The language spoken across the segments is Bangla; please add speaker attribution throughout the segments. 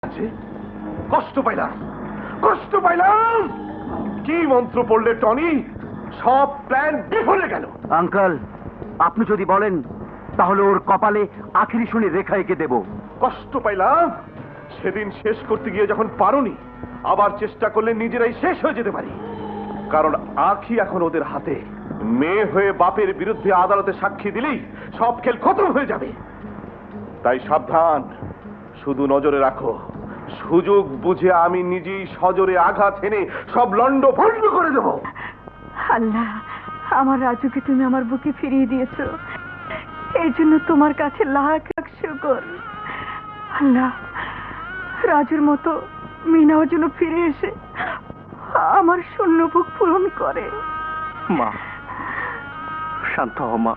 Speaker 1: কষ্ট পাইলাম, কষ্ট পাইলাম। কি মন্ত্র পড়লে টনি? সব প্ল্যান বিফলে গেল।
Speaker 2: আঙ্কেল, আপনি যদি বলেন তাহলে ওর কপালে আখেরি শুনে রেখা এঁকে দেব।
Speaker 1: কষ্ট পাইলাম। সেদিন শেষ করতে গিয়ে যখন পারোনি, আবার চেষ্টা করলে নিজেরাই শেষ হয়ে যেতে পারি। কারণ আখি এখন ওদের হাতে। মেয়ে হয়ে বাপের বিরুদ্ধে আদালতে সাক্ষী দিলেই সব খেল খতম হয়ে যাবে। তাই সাবধান, শুধু নজরে রাখো। সুযোগ বুঝে আমি নিজেই সজোরে আঘাত এনে সব লন্ড ভন্ড করে দেব।
Speaker 3: আল্লাহ, আমার রাজুকে তুমি আমার বুকে ফিরিয়ে দিয়েছো, এই জন্য তোমার কাছে লাখ লাখ শুকর। আল্লাহ, রাজুর মতো মিনাও যেন ফিরে এসে আমার শূন্য বুক পূরণ করে।
Speaker 2: মা, শান্ত হও মা।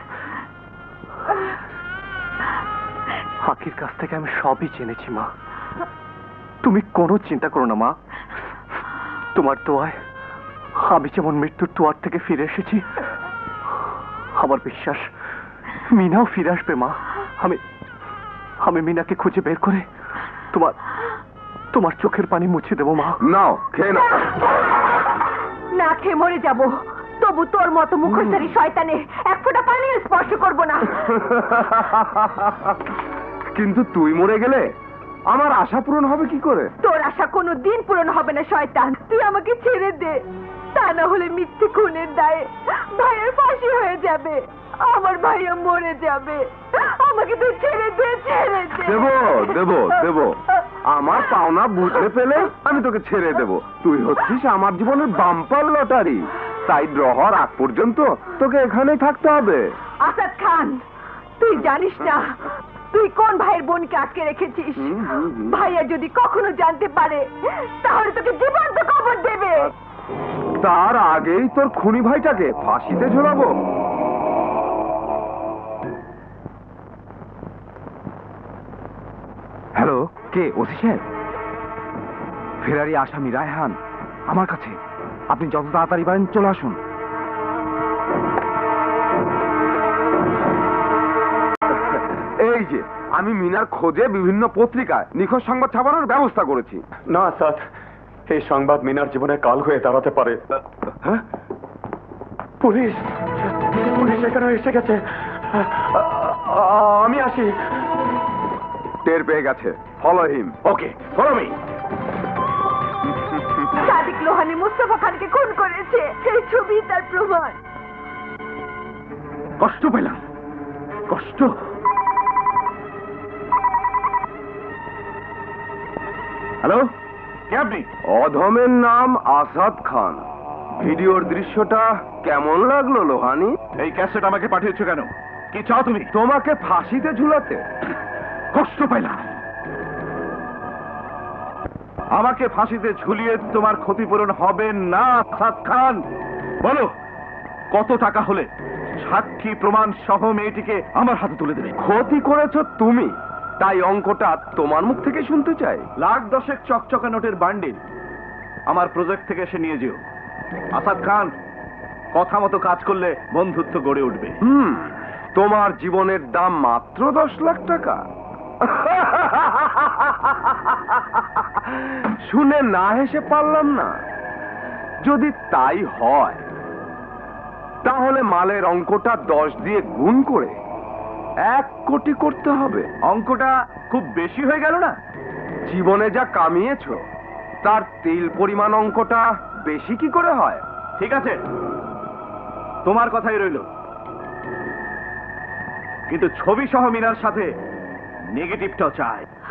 Speaker 2: আখির কাছ থেকে আমি সবই জেনেছি মা। তুমি কোনো চিন্তা করো না মা। তোমার দোয়ায় আমি যেমন মৃত্যুর দুয়ার থেকে ফিরে এসেছি, আমার বিশ্বাস মিনাও ফিরে আসবে মা। আমি মিনাকে খুঁজে বের করে তোমার তোমার চোখের পানি মুছে দেবো মা।
Speaker 1: নাও, খেয়ে নাও।
Speaker 3: না খেয়ে মরে যাব, তবু তোর মতো মুখোশধারী শয়তানে এক ফোঁটা পানিও স্পর্শ করব না।
Speaker 1: কিন্তু তুই মরে গেলে আমার আশা পূরণ হবে কি করে?
Speaker 3: তোর আশা কোনো দিন পূরণ হবে না শয়তান। তুই আমাকে ছেড়ে দে, তা না হলে মিথ্যে খুনের দায়ে ভাইয়ের ফাঁসি হয়ে যাবে, আমার ভাইয়া মরে যাবে। আমাকে তুই ছেড়ে দে, ছেড়ে দে।
Speaker 1: দেব। আমার পাওনা বুঝতে পেলে আমি তোকে ছেড়ে দেব। তুই হচ্ছিস আমার জীবনের বাম্পার লটারি। তাই ড্র হওয়ার আগ পর্যন্ত তোকে এখানেই থাকতে হবে।
Speaker 3: আসাদ খান, তুই জানিস না তুই কোন ভাইয়ের বোনকে আটকে রেখেছিস। ভাইয়া যদি কখনো জানতে পারে তাহলে তোকে জীবন্ত খবর দেবে।
Speaker 1: তার আগেই তোর খুনি ভাইটাকে ফাঁসিতে ঝোলাবো। হ্যালো, কে? ওসি সাহেব? ফেরারি আসামি রায়হান আমার কাছে। আপনি যত তাড়াতাড়ি পারেন চলে আসুন। এই যে আমি মিনার খোঁজে বিভিন্ন পত্রিকায় নিখোঁজ সংবাদ ছাপানোর ব্যবস্থা করেছি।
Speaker 4: না স্যার, এই সংবাদ মিনার জীবনে কাল হয়ে দাঁড়াতে পারে।
Speaker 1: হ্যাঁ?
Speaker 4: পুলিশ পুলিশ এখানে এসে গেছে। আমি আসি।
Speaker 1: টের পেয়ে গেছে। Follow him.
Speaker 4: Okay, follow me.
Speaker 3: Sadiq Lohani Mustafa খানকে খুন করেছে, এই ছবি তার প্রমাণ।
Speaker 1: কষ্ট পেলাম, কষ্ট। হ্যালো, কে আপনি? অধমের নাম আসাদ খান। ভিডিওর দৃশ্যটা কেমন লাগলো লোহানি? এই ক্যাসেট আমাকে পাঠিয়েছো কেন? কি চাও তুমি? তোমাকে ফাঁসিতে ঝুলাতে। কষ্ট পাইলাম। আমাকে ফাঁসিতে ঝুলিয়ে তোমার ক্ষতিপূরণ হবে না আসাদ খান। বলো কত টাকা হলে সাক্ষী প্রমাণ সহ মেয়েটিকে আমার হাতে তুলে দেবে? ক্ষতি করেছো তুমি, তাই অঙ্কটা তোমার মুখ থেকে শুনতে চাই। লাখ দশেক চকচকা নোটের বান্ডিল আমার প্রজেক্ট থেকে এসে নিয়ে যেও। আসাদ খান, কথা মতো কাজ করলে বন্ধুত্ব গড়ে উঠবে। তোমার জীবনের দাম মাত্র 10 লাখ টাকা। শুনে না হেসে পারলাম না। যদি তাই হয় তাহলে মালের অঙ্কটা 10 দিয়ে গুণ করে 1 কোটি করতে হবে। অঙ্কটা খুব বেশি হয়ে গেল না? জীবনে যা কামিয়েছো তার তেল পরিমাণ অঙ্কটা বেশি কি করে হয়? ঠিক আছে, তোমার কথাই রইল। কিন্তু ছবি সহ মিনার সাথে নেগেটিভটাও চাই।